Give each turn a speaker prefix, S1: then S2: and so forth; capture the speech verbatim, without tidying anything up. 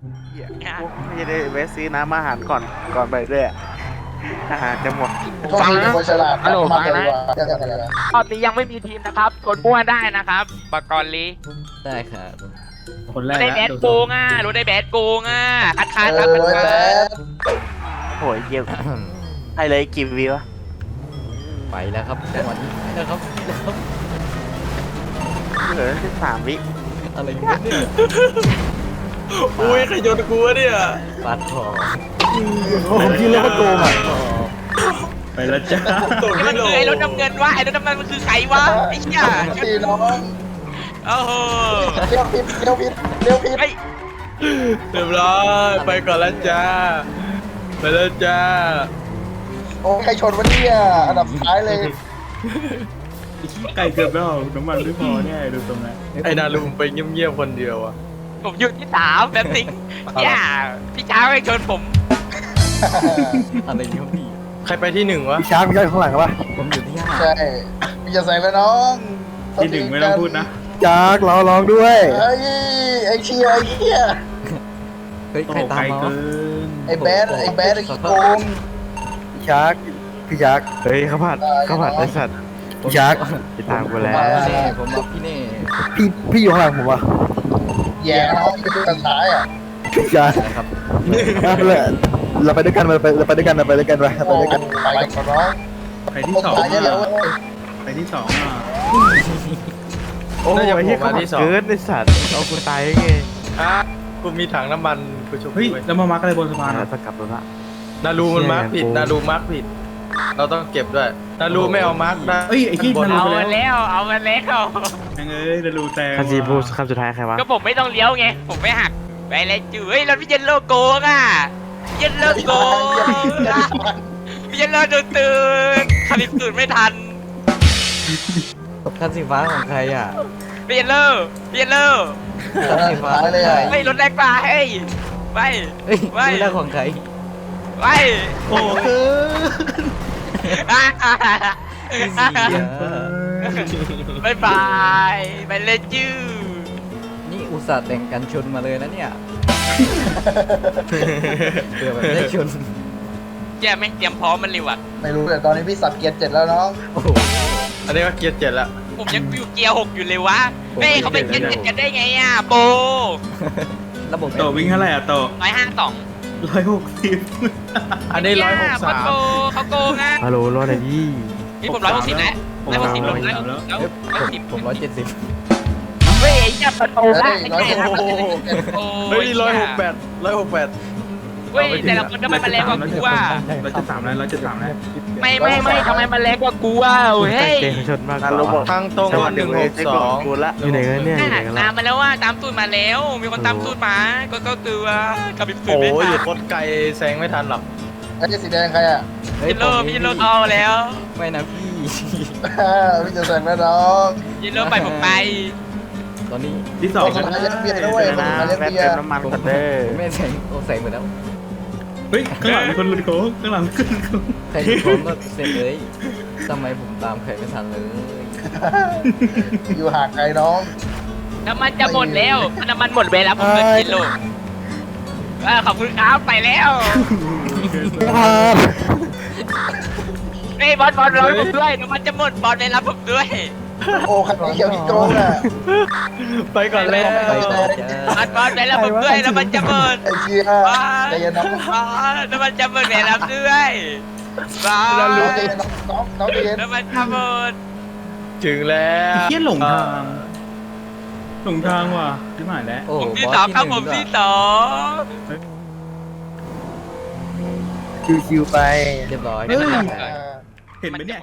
S1: เหี้ยไม่ได้แวะซื้อน้ำอาหารก่อนก่อนไปด้วยอาหารจะหมด
S2: ฟังนะฮัลโหลฟังนะ
S3: ตอนนี้ยังไม่มีทีมนะครับกดมั่วได้นะครับปากรลี
S4: ได้ครับ
S5: คนแร
S3: รู้
S5: ก
S3: ได้แบ
S5: นะ
S3: ด
S5: ดู
S3: โกงอ่ะรู้ได้แบดโกงอ่ะคัดค้าน
S2: เอ
S3: ครับ
S2: อ
S3: คัด
S2: ไอ้
S3: ค้า
S2: แบ
S3: น
S2: ด
S1: โอ้ยเยี่ยมให้เลยกี่วิวะ
S4: ไปแล้วครับจังหวะนี้ไปแล้วครับไปแล้วครับ
S1: เหลือแค่สามวิ
S4: อะไรเนี่ย
S5: อุ้ยใครโยนกูวะเนี่ย
S4: ปาดคอ
S6: ผมคิดเลยว่าโกงอ่ะ
S5: ไปแล้วจ้า
S3: นี่มันคือไอ้รถน้ำเงินวะไอ้รถน้ำเงินมันคือใครวะไอ้เหี้ย
S2: ตีน้อง
S3: โอ้โห
S2: เลี้ยวผิดเลี้ยวผิดเลี้ยวผิด
S3: ไอ้
S5: เรียบร้อยไปก่อนแล้วจ้าไปแล้วจ้า
S2: โอ้ใครชนวะเนี่ยอันดับสุดท้ายเลย
S5: ไก่เกือบแล้วน้ำมันไม่พอแน่ดูตรงนั้นไอ้นาลุงไปเงียบๆคนเดียวอ่ะ
S3: ผมอยู่ที่สามแบบสิงย่าพี่ช้างไปชนผม
S4: อะไรเนี่ยพี่
S5: ใครไปที่หนึ่งวะ
S6: พี่ช้างพี่ช้างอยู่ข้างหลังครับวะ
S4: ผมอยู่ที่ห้า
S2: ใช่พี่จะใส่แล้วน้อง
S5: ที่หนึ่งไม่ต้องพูดนะ
S6: จักเราลองด้วย
S2: เฮ้ยไอ้เชียไอ้เหี้ย
S4: เฮ้ย
S5: โอ้
S4: ใครตาม
S5: ไกล
S4: มา
S5: เกิน
S2: ไอ้แบดไอ้แบดไอ้ขี้โกง
S6: พี่ชักพี่ชัก
S1: เฮ้ยข้าวผัดข้าวผัดไอสัตว์
S6: พี่ชัก
S1: ไปตามกูแล้ว
S4: พี่เน่ผมรับพี่เน่
S6: พี่พี่อยู่ข้างหลังผมวะ
S2: แย่น้องที่ดูสุดท้ายอ่ะ
S6: พี่ชัก
S4: นะครับ
S6: มาเลยเราไปด้วยกันเราไปเราไปด้วยกันเราไปด้วยกันไปเราไป
S2: โอ้
S6: ด้วยกัน
S2: ไปกับน้อง
S5: ไปที่สอง
S2: ตายเยอะเลย
S5: อ่ะ
S2: เว้ย
S5: ไปที่สองอ่ะ
S1: โอ้ย
S5: น่าจะ
S1: ไอ้เหี้ย
S5: โผล่
S1: ข้าว
S5: มา
S1: ผัด
S5: ที่สอง
S1: เกินไอสัตว์เอากูตายได้ไง
S5: อ่ะกูมีถังน้ำมันกูชมเฮ้ยแล้วมามาร์กอะไรบนสะพาน
S1: อ่ะ
S5: อ่ะ
S1: จะกลับแล้วละ
S5: นารูมันมาร์กผิดนารูมาร์กผิด เราต้องเก็บด้วยนารูไม่เอามาร์กได้เอ้ยไอ้ที่นารู
S3: เอา
S5: ไป
S3: มา
S5: แล้ว
S3: แล้วเอามาแล้ว
S5: ยังเอ้ยนารูแซง
S1: คันซีบูคำสุดท้ายใครวะ
S3: ก็ผมไม่ต้องเลี้ยวไงผมไม่หักไปเลยจื้อเฮ้ยรถพี่เจนโลโกงอ่ะพี่เจนโลโกงพี่เจนโลโดนตื่นขับอีกตื่นไม่ทัน
S4: คันสีฟ้าของใครอ่ะ
S3: พี่เจนโลพี่เจนโล
S4: คันสีฟ้า
S2: ตายเลยอ่ะ
S3: เฮ้ยรถแรงกว่าเฮ้ยไป
S4: เฮ้ย
S3: ไม่
S4: นี่แหละของใคร
S3: ไป
S5: โอ้เกิน
S3: บายบายไปเลยจื้อ
S4: นี่อุตส่าห์แต่งกันชนมาเลยนะเนี่ยเพื่อแบบได้ชน
S3: แกแม่งเตรียมพร้อมมันเร็วอ่ะ
S2: ไม่รู้แต่ตอนนี้พี่สับเกียร์เจ็ดแล้วน้อง
S4: โอ้โห
S5: อันนี้ก็เกียร์เจ็ดแล้ว
S3: ผมยังอยู่เกียร์หกอยู่เลยวะ
S4: ผม
S3: เฮ้ยเขาไปเกียร์เจ็ดกันได้ไงอ่ะโป
S4: ระบบ
S5: โตวิ่งเท่าไหร่อ่ะโต
S3: ร้อยห้าสอง
S5: ร้อยหกสิบอันนี้ร้อยหกสาม
S3: โกเขาโกงอ่ะ
S1: ฮัลโหลรอหน่อยดิ
S3: นี่ผมร้อยหกสิบแล้วร้อยหกสิบลงแล้ว
S5: แล้ว
S3: แล้ว
S4: เอ้ย
S3: ร้อย
S4: ผ
S3: ห
S4: ม
S3: กสิบ
S4: ผมร้อยเจ็ดสิบ
S3: เฮ้ยอย่าประตู
S2: เฮ้
S3: ละ
S2: ย
S3: ไม่
S2: ร้อย
S3: ใช่
S2: ห
S3: นะ
S2: กสิบ
S3: โอ้
S5: เฮ้ยร้อยหกแปดร้อยหกแปด
S3: เฮ้ยแต่ละคนทำไมมันแรงกว่ากูอ่ะ
S5: ร้อยเจ็ดสามแล้วร้อยเจ็ดสามแล้ว
S3: ไม่ไม่ไม่ทำไมมันแรงกว่ากูอ่ะเฮ้ย
S1: เก่งชนมากกฮัลโหลบอว่าก
S5: ทางตรงวันหนึ่งหกสอง
S1: กูละอยู่ไหนกันเนี่ยอยู่ไหนกัน
S3: ตา
S1: ละ
S3: มมาแล้วว่าตามตูดมาแล้ว มีคนตามตูดมาก็ก็ตัวกับอีกตูด
S5: โอ้
S3: ไม่
S5: ย
S3: ทัน
S5: โคตรไกลแซงไม่ทันหรอก
S2: ไอ้สีแดงใครอ่ะ
S4: เฮ้ย
S3: ยินโล
S4: ผม
S3: พี่ยินโลเอาแล้ว
S4: ไม่นะพี่
S2: พี่จะใส่แล้วน้อง
S3: ยินโลไปผมไป
S4: ตอนนี้
S5: ที่สอง
S2: คนสุดท้ายเลี้ยงเบียร์ด้วยคน
S1: นะ
S2: สุดท้ายเลี้ยง
S1: แป๊บ
S2: เบีย
S1: เติม
S2: ร์
S1: น้ำมันก่อนเด้อ
S4: ผมไม่แสงโอ้แสงหมดแล้ว
S5: เฮ้ยข้างหลังมีคนหลุดโค้งข้างหลังขึ้นโค้ง
S4: ใครอยู่พร้อมก็เสร็จเลยทำไมผมตามใครไม่ทันเลย
S2: อยู่ห่างไกลน้อง
S3: น้ำมันจะหมดแล้วน้ำมันหมดเวลาผมเกินกิโลเออขอบคุณครับไปแล้ว
S6: ครับ
S3: เฮ้ยบอลบอลรอผมด้วยน้ำมันจะหมดบอลไปรับผมด้วย
S2: โอ้ขันเขียวที่โกงอ่ะ
S5: ไปก่อนแล้ว
S4: ไปต่อจ้า
S3: บอลบอลไปรับผมด้วยน้ำมันจะหมด
S2: ไอ้เชียใจเย็นน้อง
S3: บอลน้ำมันจะหมดไปรับด้วยบอล
S2: น้องใจเย็นน้องน้องใจเย็น
S3: น้ำมันจะหมด
S5: ถึงแล้วเฮียหลงทางหลงทางว่ะที่หมายแล้ว
S4: โอ้
S3: ผม
S4: บ
S3: ที่
S4: อส
S3: สอง
S4: ที่
S3: ครับ
S4: ห
S3: ผ
S4: นึ่
S3: ม
S4: งด้ว
S3: ที่
S4: ย
S3: สอง
S6: ชิวๆไป
S4: เรียบร้อย
S5: เห็นไหมเนี่ย